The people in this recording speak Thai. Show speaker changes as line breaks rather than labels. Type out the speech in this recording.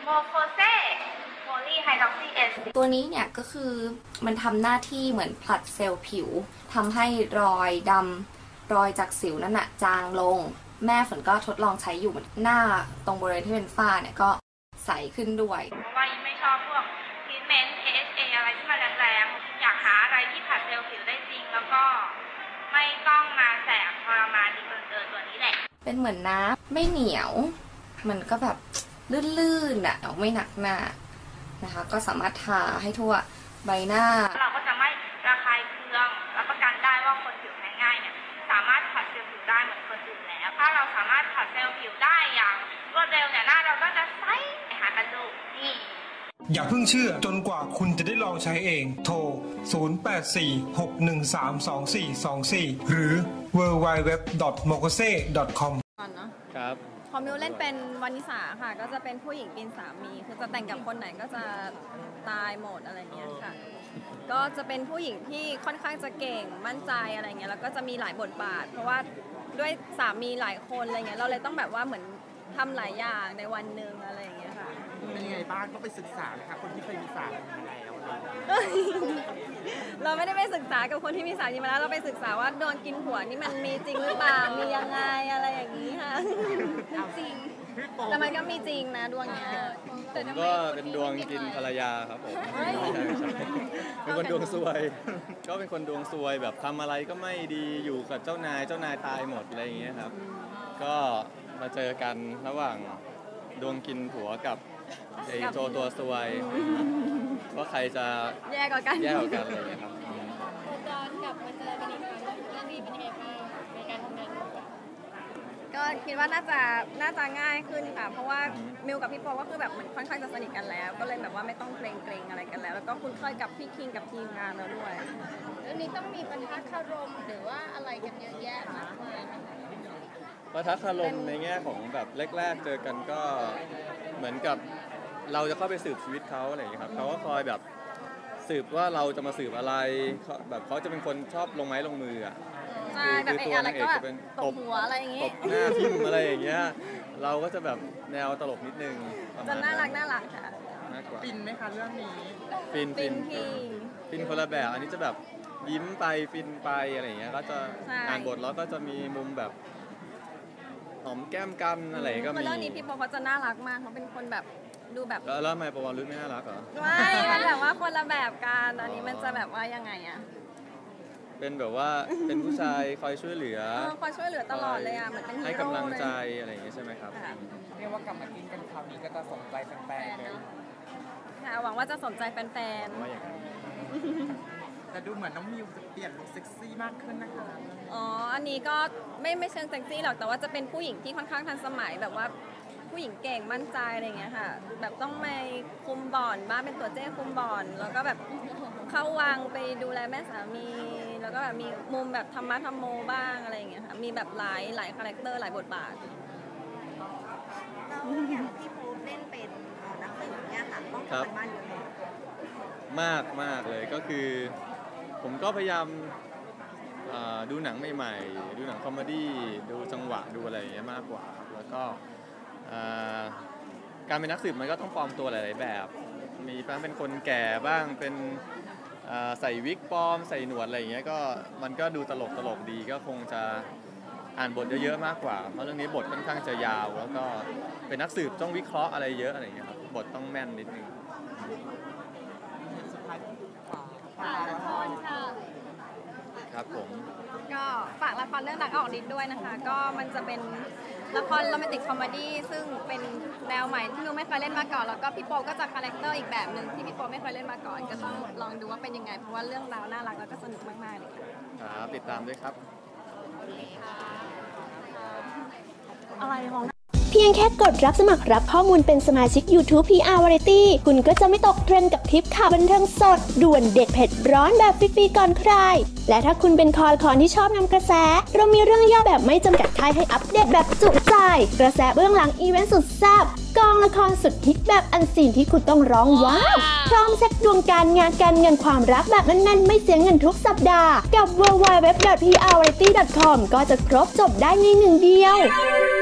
โมโคเซโพลีไฮดรอกซีเอส
ตัวนี้เนี่ยก็คือมันทำหน้าที่เหมือนผลัดเซลล์ผิวทำให้รอยดำรอยจากสิวนั่นน่ะจางลงแม่ฝนก็ทดลองใช้อยู่หน้าตรงบริเวณที่เป็นฝ้าเนี่ยก็ใสขึ้นด้วย
เพราะว่ายิ่งไม่ชอบพวกทรีทเมนต์ AHA อะไรที่มันแรงๆอยากหาอะไรที่ผลัดเซลล์ผิวได้จริงแล้วก็ไม่ต้องมาแสบทรมานดีเกินตัวนี้แหละ
เป็นเหมือนน้ำไม่เหนียวมันก็แบบลื่นๆอ่ะไม่หนักหน้านะคะก็สามารถทาให้ทั่วใบหน้า
เราก็จะไม่ระคายเคืองรับประกันได้ว่าคนผิวแพ้ง่ายเนี่ยสามารถผัดเซลล์ผิวได้เหมือนคนอื่นแล้วถ้าเราสามารถผัดเซลล์ผิวได้อย่างรวดเร็วเนี่ยหน้าเราก็จะใสหากันดูนี่
อย่าเพิ่งเชื่อจนกว่าคุณจะได้ลองใช้เองโทร 0846132424 หรือ www.mokose.com
ครับ
พอมิวเล่นเป็นวานิสาค่ะก็จะเป็นผู้หญิงกินสามีคือจะแต่งกับคนไหนก็จะตายหมดอะไรเงี้ยค่ะก็จะเป็นผู้หญิงที่ค่อนข้างจะเก่งมั่นใจอะไรเงี้ยแล้วก็จะมีหลายบทบาทเพราะว่าด้วยสามีหลายคนอะไรเงี้ยเราเลยต้องแบบว่าเหมือนทำหลายอย่างในวันหนึ่งอะไรอย่างเงี้ยค่ะ
เป็นยังไงบ้างก็ไปศึกษานะคะคนที่เคยมีสามีมาแล้ว
เราไม่ได้ไปศึกษากับคนที่มีสามีมาแล้วเราไปศึกษาว่าโดนกินหัวนี่มันมีจริงหรือเปล่ามียังไงอะไรอย่างนี้ค่ะจริงแต่มันก็มีจริงนะดวงเนี้ย
ผมก็เป็นดวงกินภรรยาครับผมเป็นคนดวงซวยก็เป็นคนดวงซวยแบบทำอะไรก็ไม่ดีอยู่กับเจ้านายตายหมดอะไรอย่างเงี้ยครับก็มาเจอกันระหว่างดวงกินผัวกับไอ้โจตัวซวยว่าใครจะ
แย่กว่ากัน
อะไรอย่างเงี้ยครับ
โคจรกลับมาเจอกันอีกครั้งเรื่องนี้เป็นยังไงบ้างในการทำงาน
ก็คิดว่าน่าจะง่ายขึ้นค่ะเพราะว่ามิวกับพี่โปก็คือแบบเหมือนค่อนข้างจะสนิทกันแล้วก็เลยแบบว่าไม่ต้องเกรงอะไรกันแล้วแล้วก็คุ้นเคยกับพี่คิงกับทีมงานแล้วด้วย
เรื่องนี้ต้องมีปะทะคารมหรือว่าอะไรกันเยอะแยะมากมาย
ปะทะคารมในแง่ของแบบแรกๆเจอกันก็เหมือนกับเราจะเข้าไปสืบชีวิตเขาอะไรอย่างเงี้ยครับเขาก็คอยแบบสืบว่าเราจะมาสืบอะไรแบบเขาจะเป็นคนชอบลงไม้ลงมืออ่ะ
ใช่แบบอะไรก็แบบตบหัวอะไรอย่างงี้
ตบหน้าทิ่มอะไรอย่างเงี้ยเราก็จะแบบแนวตลกนิดนึง
จะน่ารักค่ะ
ฟินไหมคะเรื่องนี้
ฟินคนละแบบอันนี้จะแบบยิ้มไปฟินไปอะไรอย่างเงี้ยก็จะอ่านบทแล้วก็จะมีมุมแบบหอมแก้มกันอะไรก็มี
เรื่องนี้พี่โปเขาจะน่ารักมากเขาเป็นคนแบบดูแบบ
แล้วทำไมปวรุษไม่น่ารักเหรอ
ไม่มันแบบว่าคนละแบบกันอันนี้มันจะแบบว่ายังไงอะ
เป็นแบบว่าเป็นผู้ชายคอยช่วยเหลือ
ตลอดเลยอะเหมือนเป็นฮีโร่
ให้กำลังใจอะไรอย่างเงี้ยใช่ไหมครับ
เรียกว่ากลับมากินกันคราวนี้ก็จะสนใจแฟนๆเลย
ค่ะหวังว่าจะสนใจแฟน
ๆ
แต่ดูเหมือนน้องมิวจะเปลี่ยนลุคเซ็กซี่มากขึ้นนะคะ
อ๋ออันนี้ก็ไม่เชิงเซ็กซี่หรอกแต่ว่าจะเป็นผู้หญิงที่ค่อนข้างทันสมัยแบบว่าผู้หญิงเก่งมั่นใจอะไรเงี้ยค่ะแบบต้องไปคุมบ่อนบ้างเป็นตัวเจ้คุมบ่อนแล้วก็แบบเข้าวังไปดูแลแม่สามีแล้วก็แบบมีมุมแบบธรรมะธรรมโมบ้างอะไรอย่างเงี้ยค่ะมีแบบหลายคาแรคเตอร์หลายบทบาท
แล้วอย่างที่โพสเล่นเป็นนักสืบเนี่ยค่ะต้องทำบ้านอยู่แล้ว
มากเลยก็คือผมก็พยายามดูหนังใหม่ๆดูหนังคอมเมดี้ดูจังหวะดูอะไรอย่างเงี้ยมากกว่าแล้วก็การเป็นนักสืบมันก็ต้องปลอมตัวหลายๆแบบมีเป็นคนแก่บ้างเป็นใส่วิกปลอมใส่หนวดอะไรอย่างเงี้ยก็มันก็ดูตลกดีก็คงจะอ่านบทเยอะๆมากกว่าเพราะเรื่องนี้บทค่อนข้างจะยาวแล้วก็เป็นนักสืบต้องวิเคราะห์อะไรเยอะอะไรอย่างเงี้ยครับบทต้องแม่นนิดนึงครับผม
ก็ฝากละครเรื่องรักออกฤทธิ์ด้วยนะคะก็มันจะเป็นละครโรแมนติกคอมเมดี้ซึ่งเป็นแนวใหม่ที่มิวไม่เคยเล่นมาก่อนแล้วก็พี่โปก็จะคาแรคเตอร์อีกแบบนึงที่พี่โปไม่เคยเล่นมาก่อนก็ต้องลองดูว่าเป็นยังไงเพราะว่าเรื่องราวน่ารักแล้วก็สนุกมากๆเลย
ค่ะครับติดตามด้วยครับ
อะไรของ
เพียงแค่กดรับสมัครรับข้อมูลเป็นสมาชิก YouTube PR Variety คุณก็จะไม่ตกเทรนด์กับทริปข่าวบันเทิงสดด่วนเด็ดเผ็ดร้อนแบบฟรีๆก่อนใครและถ้าคุณเป็นคอที่ชอบนำกระแสเรามีเรื่องย่อแบบไม่จำกัดท้ายให้อัปเดตแบบจุใจกระแสเบื้องหลังอีเวนต์สุดแซ่บกองละครสุดฮิตแบบอันซีนที่คุณต้องร้องว้าวพร้อมเซ็ตดวงการงานการเงินความรักแบบแน่นๆไม่เสียเงินทุกสัปดาห์กับ www.prvariety.com ก็จะครบจบได้ในหนึ่งเดียว